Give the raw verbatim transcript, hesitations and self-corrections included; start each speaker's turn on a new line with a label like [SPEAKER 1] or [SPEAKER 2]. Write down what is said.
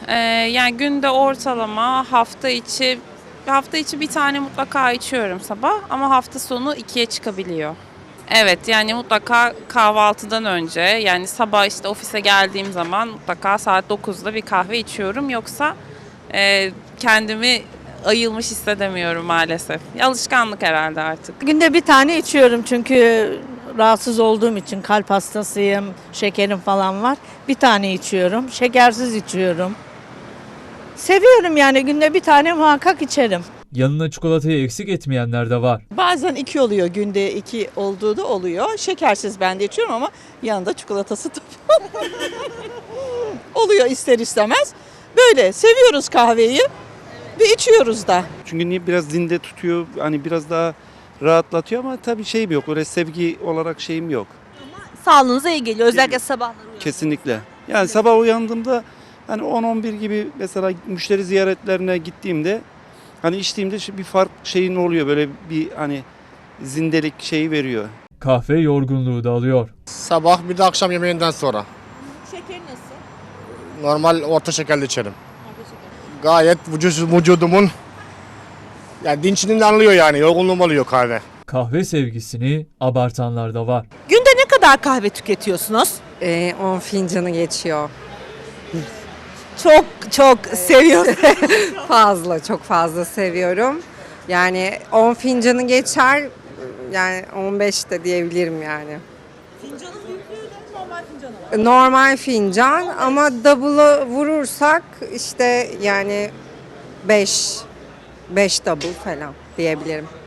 [SPEAKER 1] Ee, yani günde ortalama hafta içi hafta içi bir tane mutlaka içiyorum sabah ama hafta sonu ikiye çıkabiliyor. Evet yani mutlaka kahvaltıdan önce yani sabah işte ofise geldiğim zaman mutlaka saat dokuzda bir kahve içiyorum. Yoksa e, kendimi ayılmış hissedemiyorum maalesef. Alışkanlık herhalde artık.
[SPEAKER 2] Günde bir tane içiyorum çünkü rahatsız olduğum için kalp hastasıyım, şekerim falan var. Bir tane içiyorum, şekersiz içiyorum. Seviyorum yani günde bir tane muhakkak içerim.
[SPEAKER 3] Yanına çikolatayı eksik etmeyenler de var.
[SPEAKER 4] Bazen iki oluyor, günde iki olduğu da oluyor. Şekersiz ben de içiyorum ama yanında çikolatası tabii. Oluyor ister istemez. Böyle seviyoruz kahveyi ve içiyoruz da.
[SPEAKER 5] Çünkü niye biraz zinde tutuyor, hani biraz daha rahatlatıyor ama tabii şeyim yok, öyle sevgi olarak şeyim yok.
[SPEAKER 6] Sağlığınıza iyi geliyor. Özellikle sabahları uyanınca.
[SPEAKER 5] Kesinlikle. Yani sabah uyandığımda hani on on bir gibi mesela müşteri ziyaretlerine gittiğimde hani içtiğimde şu bir fark şeyin oluyor, böyle bir hani zindelik şeyi veriyor.
[SPEAKER 3] Kahve yorgunluğu da alıyor.
[SPEAKER 7] Sabah bir de akşam yemeğinden sonra.
[SPEAKER 6] Şekeri nasıl?
[SPEAKER 7] Normal orta şekerli içerim. Gayet vücut, vücudumun yani dinçliğini anlıyor yani. Yorgunluğum oluyor kahve.
[SPEAKER 3] Kahve sevgisini abartanlar da var.
[SPEAKER 6] Günde ne kadar kahve tüketiyorsunuz?
[SPEAKER 8] Ee, on fincanı geçiyor.
[SPEAKER 6] Çok çok seviyorum.
[SPEAKER 8] Fazla, çok fazla seviyorum. Yani on fincanı geçer, yani on beş de diyebilirim yani.
[SPEAKER 6] Fincanın büyüklüğü de normal fincanı.
[SPEAKER 8] Normal fincan ama double'ı vurursak işte yani beş, beş double falan diyebilirim.